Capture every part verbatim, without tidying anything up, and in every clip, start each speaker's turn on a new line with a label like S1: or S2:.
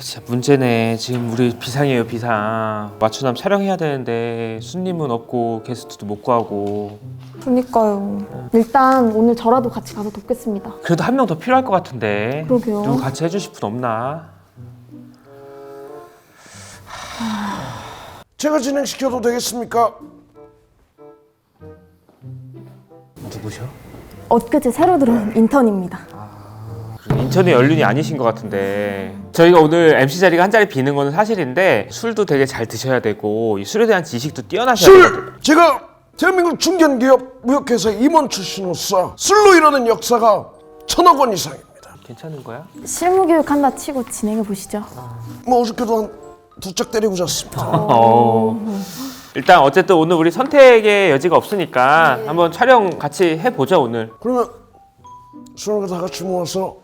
S1: 진짜 문제네. 지금 우리 비상이에요, 비상. 맞추남 촬영해야 되는데 손님은 없고 게스트도 못 구하고.
S2: 그러니까요. 일단 오늘 저라도 같이 가서 돕겠습니다.
S1: 그래도 한 명 더 필요할 것 같은데.
S2: 그러게요.
S1: 누구 같이 해주실 분 없나?
S3: 제가 진행시켜도 되겠습니까?
S1: 누구셔?
S2: 엊그제 새로 들어온 인턴입니다.
S1: 인천의 연륜이 아니신 것 같은데. 저희가 오늘 엠씨 자리가 한 자리 비는 거는 사실인데 술도 되게 잘 드셔야 되고 이 술에 대한 지식도 뛰어나셔야 되거든요.
S3: 술! 제가 대한민국 중견기업 무역회사 임원 출신으로서 술로 이루는 역사가 천억 원 이상입니다.
S1: 괜찮은 거야?
S2: 실무교육 한다 치고 진행해 보시죠.
S3: 뭐 어저께도 한 두 짝 때리고 잤습니다.
S1: 어. 일단 어쨌든 오늘 우리 선택의 여지가 없으니까 한번 촬영 같이 해보죠 오늘.
S3: 그러면 술을 다 같이 모아서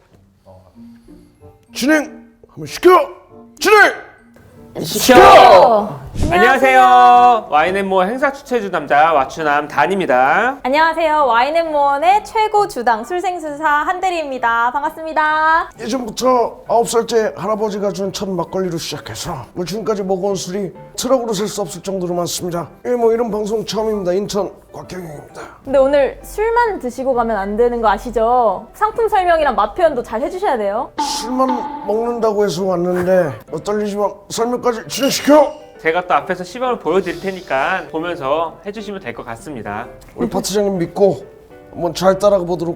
S3: 진행 한번 시켜! 진행!
S1: 시켜! 안녕하세요. 와인앤모어 행사 추천해준 남자 와추남 단입니다.
S4: 안녕하세요. 와인앤모어의 최고 주당 술생수사 한대리입니다. 반갑습니다.
S3: 예전부터 아홉 살째 할아버지가 준 첫 막걸리로 시작해서 뭐 지금까지 먹어온 술이 트럭으로 셀 수 없을 정도로 많습니다. 예, 뭐 이런 방송 처음입니다. 인턴 곽경영입니다.
S4: 근데 오늘 술만 드시고 가면 안 되는 거 아시죠? 상품 설명이랑 맛 표현도 잘 해주셔야 돼요.
S3: 술만 먹는다고 해서 왔는데 어, 떨리지만 설명까지 진행시켜!
S1: 제가 또 앞에서 시범을 보여드릴 테니까 보면서 해주시면 될 것 같습니다.
S3: 우리 파트장님 믿고 한번 잘 따라가 보도록.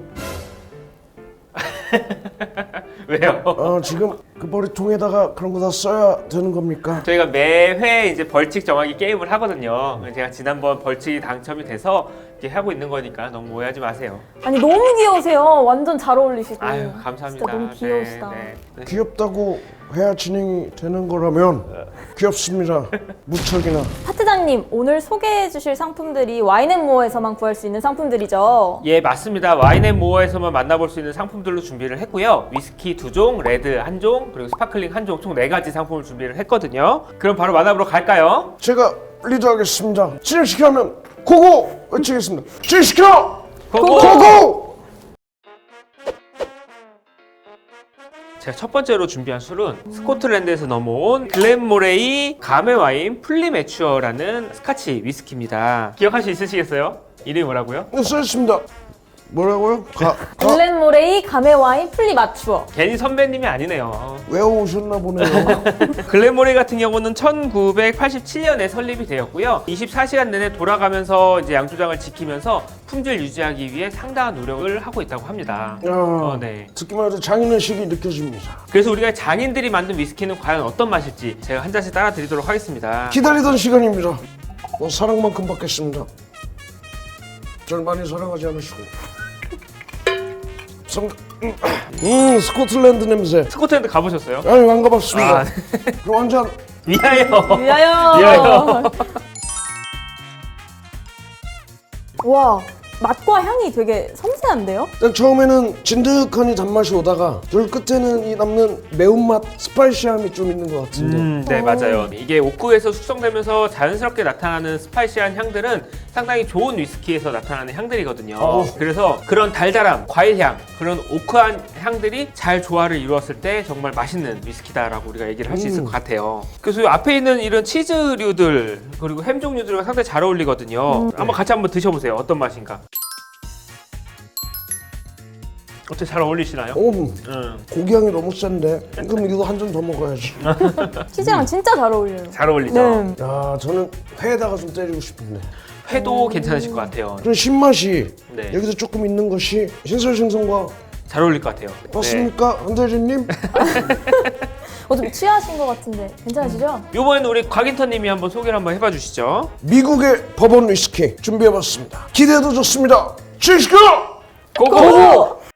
S1: 왜요?
S3: 어, 지금 그 머리통에다가 그런 거 다 써야 되는 겁니까?
S1: 저희가 매회 이제 벌칙 정하기 게임을 하거든요. 제가 지난번 벌칙이 당첨이 돼서 이렇게 하고 있는 거니까 너무 오해하지 마세요.
S4: 아니 너무 귀여우세요. 완전 잘 어울리시고.
S1: 아유 감사합니다.
S4: 진짜 너무 귀여우시다.
S1: 네, 네.
S3: 귀엽다고 해야 진행이 되는 거라면 귀엽습니다. 무척이나.
S4: 파트장님 오늘 소개해 주실 상품들이 와인앤모어에서만 구할 수 있는 상품들이죠.
S1: 예 맞습니다. 와인앤모어에서만 만나볼 수 있는 상품들로 준비를 했고요. 위스키 두 종, 레드 한 종, 그리고 스파클링 한 종 총 네 가지 상품을 준비를 했거든요. 그럼 바로 만나보러 갈까요?
S3: 제가 리드하겠습니다. 진행시켜면 고고 외치겠습니다. 진행시켜!
S1: 고고!
S3: 고고!
S1: 제가 첫 번째로 준비한 술은 스코틀랜드에서 넘어온 글렌모레이 가메와인 플리매추어라는 스카치 위스키입니다. 기억할 수 있으시겠어요? 이름이 뭐라고요?
S3: 네, 써있습니다. 뭐라고요? 가, 가
S4: 글렌모레이 가메와인 플리마추어.
S1: 괜히 선배님이 아니네요.
S3: 외워오셨나 보네요.
S1: 글렌모레이 같은 경우는 천구백팔십칠 년에 설립이 되었고요. 이십사 시간 내내 돌아가면서 이제 양조장을 지키면서 품질 유지하기 위해 상당한 노력을 하고 있다고 합니다.
S3: 야,
S1: 어, 네.
S3: 듣기만 해도 장인의식이 느껴집니다.
S1: 그래서 우리가 장인들이 만든 위스키는 과연 어떤 맛일지 제가 한 잔씩 따라 드리도록 하겠습니다.
S3: 기다리던 시간입니다. 뭐 사랑만큼 받겠습니다. 절 많이 사랑하지 않으시고. 성... 음, 음 스코틀랜드 냄새.
S1: 스코틀랜드 가보셨어요?
S3: 아니 안 가봤습니다.
S1: 아,
S3: 그럼 한 잔.
S1: 위하여.
S4: 위하여.
S1: 위하여.
S4: 와 맛과 향이 되게 섬세한데요?
S3: 일단 처음에는 진득하니 단맛이 오다가 들 끝에는 이 남는 매운맛, 스파이시함이 좀 있는 것 같은데.
S1: 음, 네 맞아요. 이게 옥구에서 숙성되면서 자연스럽게 나타나는 스파이시한 향들은 상당히 좋은 위스키에서 나타나는 향들이거든요.
S3: 어.
S1: 그래서 그런 달달함, 과일향, 그런 오크한 향들이 잘 조화를 이루었을 때 정말 맛있는 위스키다라고 우리가 얘기를 할 수 있을
S3: 음.
S1: 것 같아요. 그래서 이 앞에 있는 이런 치즈류들 그리고 햄 종류들과 상당히 잘 어울리거든요. 한번 같이 한번 드셔보세요. 어떤 맛인가? 어떻게 잘 어울리시나요?
S3: 오,
S1: 음,
S3: 고기향이 너무 센데. 그럼 이거 한 잔 더 먹어야지.
S4: 치즈랑 진짜 잘 어울려요.
S1: 잘 어울리죠?
S4: 네.
S3: 야, 저는 회에다가 좀 때리고 싶은데.
S1: 회도 괜찮으실 것 같아요.
S3: 그런 신맛이
S1: 네.
S3: 여기서 조금 있는 것이 신설생선과
S1: 잘 어울릴 것 같아요.
S3: 맞습니까? 한대리님?
S4: 어, 좀 취하신 것 같은데 괜찮으시죠?
S1: 네. 이번에는 우리 곽인턴님이 한번 소개를 한번 해봐 주시죠.
S3: 미국의 버번 위스키 준비해봤습니다. 기대도 좋습니다. 진시켜!
S1: 고고!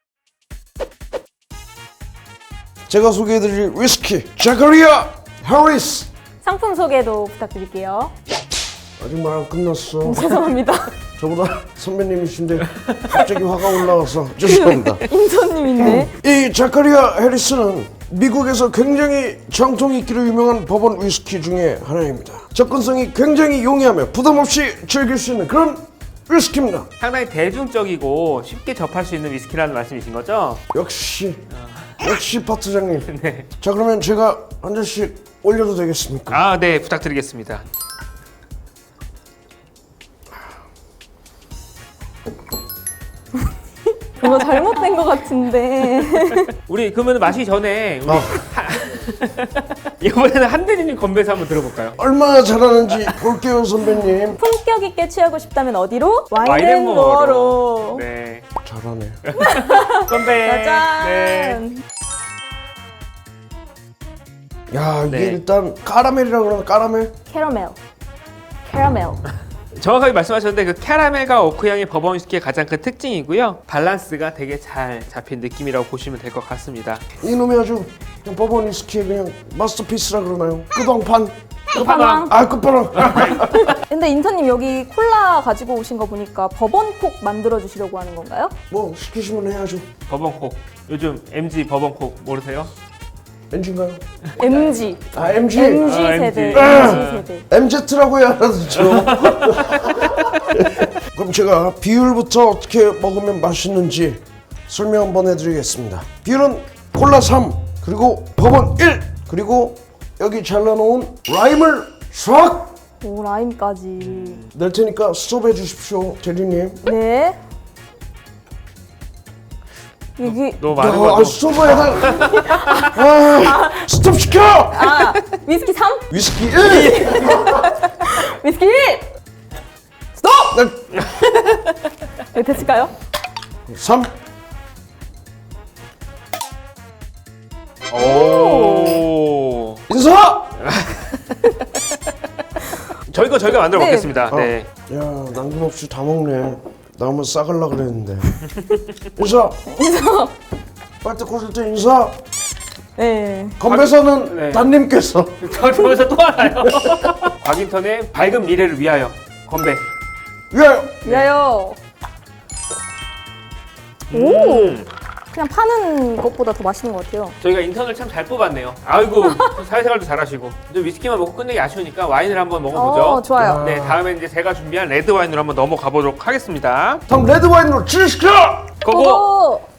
S3: 제가 소개해드릴 위스키 자카리아 해리스.
S4: 상품 소개도 부탁드릴게요.
S3: 아직 말 안 끝났어.
S4: 죄송합니다.
S3: 저보다 선배님이신데 갑자기 화가 올라와서 죄송합니다.
S4: 인턴님인데.
S3: 이 자카리아 해리스는 미국에서 굉장히 정통 있기로 유명한 버번 위스키 중에 하나입니다. 접근성이 굉장히 용이하며 부담 없이 즐길 수 있는 그런 위스키입니다.
S1: 상당히 대중적이고 쉽게 접할 수 있는 위스키라는 말씀이신 거죠?
S3: 역시 역시 파트장님.
S1: 네.
S3: 자 그러면 제가 한 잔씩 올려도 되겠습니까?
S1: 아, 네, 부탁드리겠습니다.
S4: 뭔가 잘못된 것 같은데.
S1: 우리 그러면 마시기 전에 우리
S3: 어.
S1: 이번에는 한대리님 건배사 한번 들어볼까요?
S3: 얼마나 잘하는지 볼게요 선배님.
S4: 품격 있게 취하고 싶다면 어디로?
S1: 와인앤모어로.
S4: 와인앤모어로.
S1: 네.
S3: 잘하네.
S1: 건배.
S4: 짜잔.
S1: 네.
S3: 야 이게
S1: 네.
S3: 일단 까라멜이라고 그러나 까라멜?
S4: 캐러멜. 캐러멜.
S1: 정확하게 말씀하셨는데 그 캐러멜과 오크 향이 버번 위스키의 가장 큰 특징이고요. 밸런스가 되게 잘 잡힌 느낌이라고 보시면 될 것 같습니다.
S3: 이놈이 아주 그냥 버번 위스키의 그냥 마스터피스라 그러나요? 끝왕판?
S4: 끝판왕.
S3: 아 끝판왕.
S4: 근데 인턴님 여기 콜라 가지고 오신 거 보니까 버번콕 만들어 주시려고 하는 건가요?
S3: 뭐 시키시면 해야죠.
S1: 버번콕. 요즘 엠지 버번콕 모르세요?
S3: 엔진가요?
S4: 엠지.
S3: 아 엠지.
S4: 엠지
S1: 아,
S4: 세대.
S1: 엠지.
S4: 엠지 세대.
S3: 엠제트라고 해야 알아듣죠. 그럼 제가 비율부터 어떻게 먹으면 맛있는지 설명 한번 해드리겠습니다. 비율은 콜라 삼 그리고 버번 일 그리고 여기 잘라놓은 라임을 싹
S4: 오 라임까지.
S3: 낼 테니까 스톱해 주십시오 대리님.
S4: 네. 여기
S1: 너무 많은
S3: 야,
S1: 거
S3: 아,
S1: 같아.
S3: 스톱을 해달. 아, 스톱 시켜.
S4: 아 위스키 삼,
S3: 위스키 일.
S4: 위스키 일. 스톱. 네, 됐을까요?
S3: 삼.
S1: 오.
S3: 인사.
S1: 저희 거 저희가 만들어
S4: 네.
S1: 먹겠습니다.
S3: 어.
S1: 네.
S3: 야 남김없이 다 먹네. 나 한번 싸갈라 그랬는데. 인사.
S4: 인사.
S3: 빨대 꽂을 때 인사.
S4: 네.
S3: 건배사는
S1: 네.
S3: 단님께서.
S1: 저 저기서 또 하나요? 곽인턴의 밝은 미래를 위하여 건배.
S3: 위하여.
S4: 위하여.
S1: 음.
S4: 그냥 파는 것보다 더 맛있는 것 같아요.
S1: 저희가 인턴을 참 잘 뽑았네요. 아이고 사회생활도 잘하시고. 이제 위스키만 먹고 끝내기 아쉬우니까 와인을 한번 먹어보죠.
S4: 어, 좋아요.
S1: 네, 다음에 이제 제가 준비한 레드 와인으로 한번 넘어가 보도록 하겠습니다.
S3: 다음 레드 와인으로 진시켜.
S1: 고고.
S4: 고고.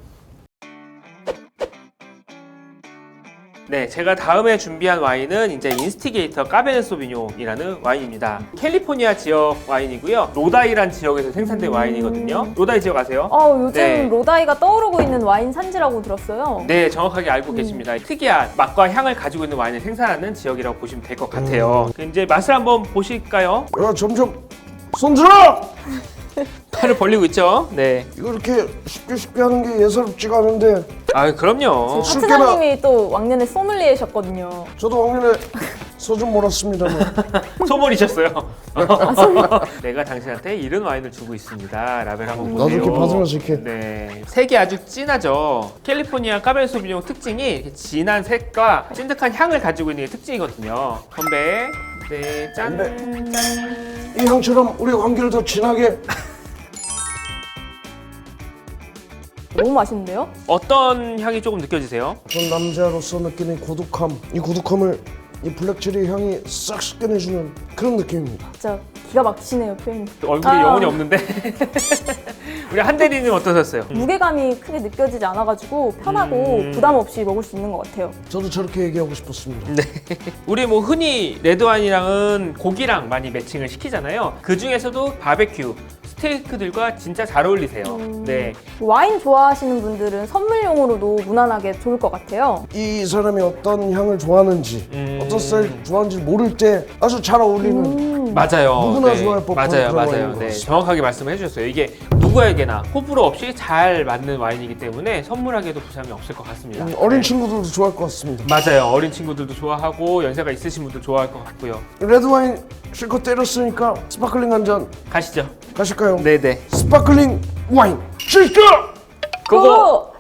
S1: 네, 제가 다음에 준비한 와인은 이제 인스티게이터 까베네 소비뇽이라는 와인입니다. 캘리포니아 지역 와인이고요. 로다이란 지역에서 생산된 와인이거든요. 로다이 지역 아세요?
S4: 어 요즘
S1: 네.
S4: 로다이가 떠오르고 있는 와인 산지라고 들었어요.
S1: 네, 정확하게 알고 계십니다. 특이한 맛과 향을 가지고 있는 와인을 생산하는 지역이라고 보시면 될 것 같아요. 그 이제 맛을 한번 보실까요?
S3: 야 점점 손 들어.
S1: 팔을 벌리고 있죠? 네.
S3: 이거 이렇게 쉽게 쉽게 하는 게 예사롭지가 않은데.
S1: 아, 그럼요.
S3: 술
S4: 파트장님이 또 왕년에 소믈리에셨거든요.
S3: 저도 왕년에 소좀 몰았습니다만.
S1: 소몰이셨어요. 내가 당신한테 이런 와인을 주고 있습니다. 라벨 한번
S3: 나도
S1: 보세요.
S3: 이렇게 받으면서 이렇게.
S1: 네. 색이 아주 진하죠. 캘리포니아 까베네 소비뇽 특징이 이렇게 진한 색과 찐득한 향을 가지고 있는 게 특징이거든요. 건배. 네, 짠.
S3: 이 향처럼 우리 관계를 더 진하게.
S4: 너무 맛있는데요?
S1: 어떤 향이 조금 느껴지세요?
S3: 전 남자로서 느끼는 고독함. 이 고독함을 이 블랙체리 향이 싹 씻겨내주는 그런 느낌입니다.
S4: 진짜 기가 막히시네요 표현이.
S1: 얼굴에
S4: 아.
S1: 영혼이 없는데. 우리 한대리님 어떠셨어요?
S4: 무게감이 크게 느껴지지 않아가지고 편하고
S1: 음.
S4: 부담 없이 먹을 수 있는 것 같아요.
S3: 저도 저렇게 얘기하고 싶었습니다.
S1: 네. 우리 뭐 흔히 레드와인이랑은 고기랑 많이 매칭을 시키잖아요. 그 중에서도 바베큐, 스테이크들과 진짜 잘 어울리세요.
S4: 음.
S1: 네.
S4: 와인 좋아하시는 분들은 선물용으로도 무난하게 좋을 것 같아요.
S3: 이 사람이 어떤 향을 좋아하는지
S1: 음.
S3: 어떤 스타일 좋아하는지 모를 때 아주 잘 어울리는
S4: 음.
S1: 맞아요.
S3: 누구나
S1: 네.
S3: 좋아할 법한
S1: 맞아요,
S3: 그런
S1: 맞아요.
S3: 와인인 것
S1: 네,
S3: 같습니다.
S1: 정확하게 말씀을 해주셨어요. 이게 누구에게나 호불호 없이 잘 맞는 와인이기 때문에 선물하기에도 부담이 없을 것 같습니다.
S3: 음, 어린
S1: 네.
S3: 친구들도 좋아할 것 같습니다.
S1: 맞아요. 어린 친구들도 좋아하고 연세가 있으신 분들 좋아할 것 같고요.
S3: 레드와인 실컷 때렸으니까 스파클링 한 잔
S1: 가시죠.
S3: 가실까요?
S1: 네네.
S3: 스파클링 와인 실컷!
S1: 고고.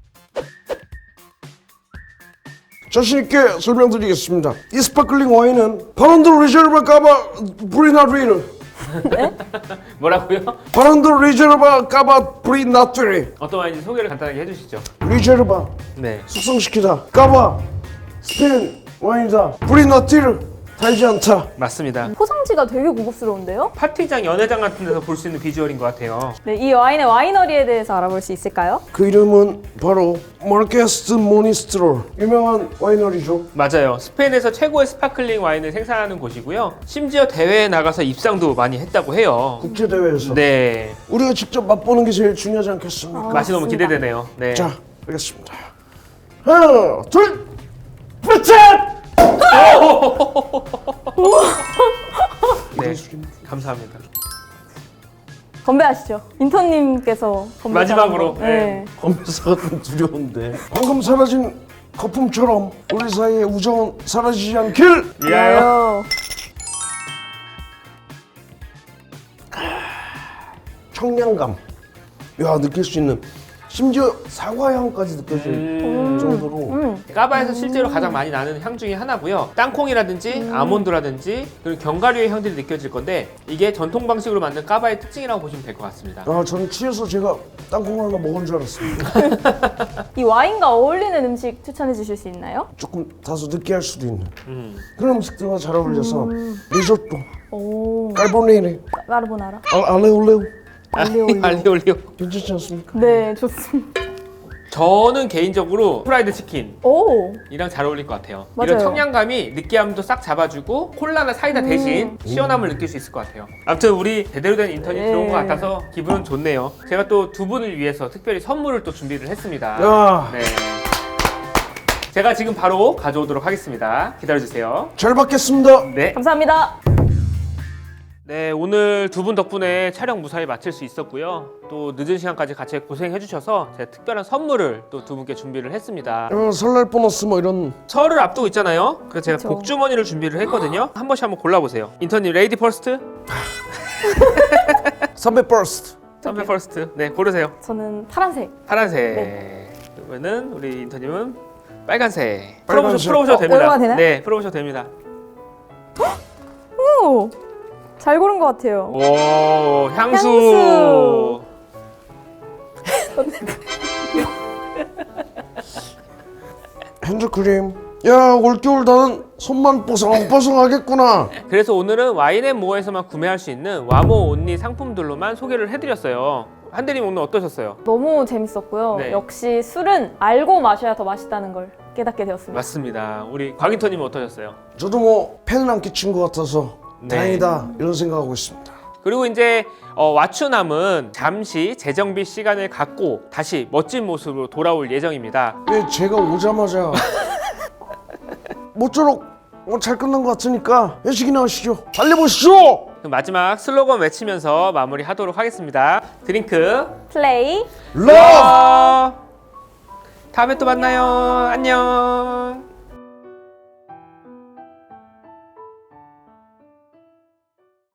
S3: 자신있게 설명드리겠습니다. 이 스파클링 와인은 바론드 리저르바 까바 브리나트리
S1: 뭐라고요?
S3: 바론드 리저르바 까바 브리나트리
S1: 어떤 와인인지 소개를 간단하게 해주시죠.
S3: 리저르바
S1: 네.
S3: 숙성시키다 까바 스페인 와인이다 브리나트리 달지 않다.
S1: 맞습니다.
S4: 포장지가 되게 고급스러운데요?
S1: 파티장, 연회장 같은 데서 볼 수 있는 비주얼인 것 같아요.
S4: 네, 이 와인의 와이너리에 대해서 알아볼 수 있을까요?
S3: 그 이름은 바로 마르케스 모니스트롤, 유명한 와이너리죠.
S1: 맞아요. 스페인에서 최고의 스파클링 와인을 생산하는 곳이고요. 심지어 대회에 나가서 입상도 많이 했다고 해요.
S3: 국제 대회에서
S1: 네,
S3: 우리가 직접 맛보는 게 제일 중요하지 않겠습니까?
S1: 맛이 너무
S4: 맞습니다.
S1: 기대되네요. 네.
S3: 자, 알겠습니다. 하나, 둘, 셋!
S1: 네, 감사합니다.
S4: 건배하시죠. 인턴님께서 건배
S1: 마지막으로,
S4: 잘한 거. 네.
S3: 검사가 좀 두려운데. 방금 사라진 거품처럼 우리 사이의 우정은 사라지지 않길.
S1: 위하여.
S3: 청량감. 야, 느낄 수 있는. 심지어 사과 향까지 느껴질
S1: 음.
S3: 정도로.
S4: 음.
S1: 까바에서 실제로 가장 많이 나는 향 중에 하나고요. 땅콩이라든지 아몬드라든지 그리고 견과류의 향들이 느껴질 건데 이게 전통 방식으로 만든 까바의 특징이라고 보시면 될 것 같습니다.
S3: 아, 저는 취해서 제가 땅콩 하나 먹은 줄 알았습니다.
S4: 이 와인과 어울리는 음식 추천해 주실 수 있나요?
S3: 조금 다소 느끼할 수도 있는
S1: 음.
S3: 그런 음식들과 잘 어울려서 리조또,
S4: 오,
S3: 까르보네이레,
S4: 까르보나라.
S3: 아, 알레올레오
S4: 알리올리오.
S1: 알리올리오.
S3: 괜찮지 않습니까?
S4: 네, 좋습니다.
S1: 저는 개인적으로 프라이드 치킨
S4: 오,
S1: 이랑 잘 어울릴 것 같아요.
S4: 맞아요.
S1: 이런 청량감이 느끼함도 싹 잡아주고 콜라나 사이다 대신 시원함을 느낄 수 있을 것 같아요. 아무튼 우리 제대로 된 인턴이
S4: 네.
S1: 들어온 것 같아서 기분은 좋네요. 제가 또 두 분을 위해서 특별히 선물을 또 준비를 했습니다.
S3: 야.
S1: 네. 제가 지금 바로 가져오도록 하겠습니다. 기다려주세요.
S3: 잘 받겠습니다.
S1: 네.
S4: 감사합니다.
S1: 네, 오늘 두 분 덕분에 촬영 무사히 마칠 수 있었고요. 또 늦은 시간까지 같이 고생해 주셔서 제가 특별한 선물을 또 두 분께 준비를 했습니다.
S3: 어, 설날 보너스 뭐 이런.
S1: 설을 앞두고 있잖아요. 그래서 제가
S4: 그쵸.
S1: 복주머니를 준비를 했거든요. 한 번씩 한번 골라보세요. 인턴님 레이디 퍼스트,
S3: 삼백 버스트.
S1: 선배 퍼스트. 네, 고르세요.
S4: 저는 파란색.
S1: 파란색. 그러면은 우리 인턴님은 빨간색.
S3: 빨간색.
S1: 풀어보셔, 풀어보셔도
S4: 어,
S1: 됩니다.
S4: 얼마나 되나요?
S1: 네, 풀어보셔도 됩니다.
S4: 오, 잘 고른 것 같아요.
S1: 오, 향수.
S4: 향수.
S3: 핸드크림. 야, 올겨울 나는 손만 뽀송뽀송하겠구나.
S1: 그래서 오늘은 와인앤모어에서만 구매할 수 있는 와모 온리 상품들로만 소개를 해드렸어요. 한대님 오늘 어떠셨어요?
S4: 너무 재밌었고요.
S1: 네.
S4: 역시 술은 알고 마셔야 더 맛있다는 걸 깨닫게 되었습니다.
S1: 맞습니다. 우리 곽인턴님은 어떠셨어요?
S3: 저도 뭐 팬은 안 끼친 것 같아서
S1: 네.
S3: 다행이다 이런 생각하고 있습니다.
S1: 그리고 이제 어, 와추남은 잠시 재정비 시간을 갖고 다시 멋진 모습으로 돌아올 예정입니다.
S3: 왜 제가 오자마자 모쪼록 뭐 잘 끝난 것 같으니까 회식이나 하시죠. 달려보시죠.
S1: 그럼 마지막 슬로건 외치면서 마무리하도록 하겠습니다. 드링크
S4: 플레이.
S3: 러브.
S1: 어, 다음에 또 만나요. 안녕.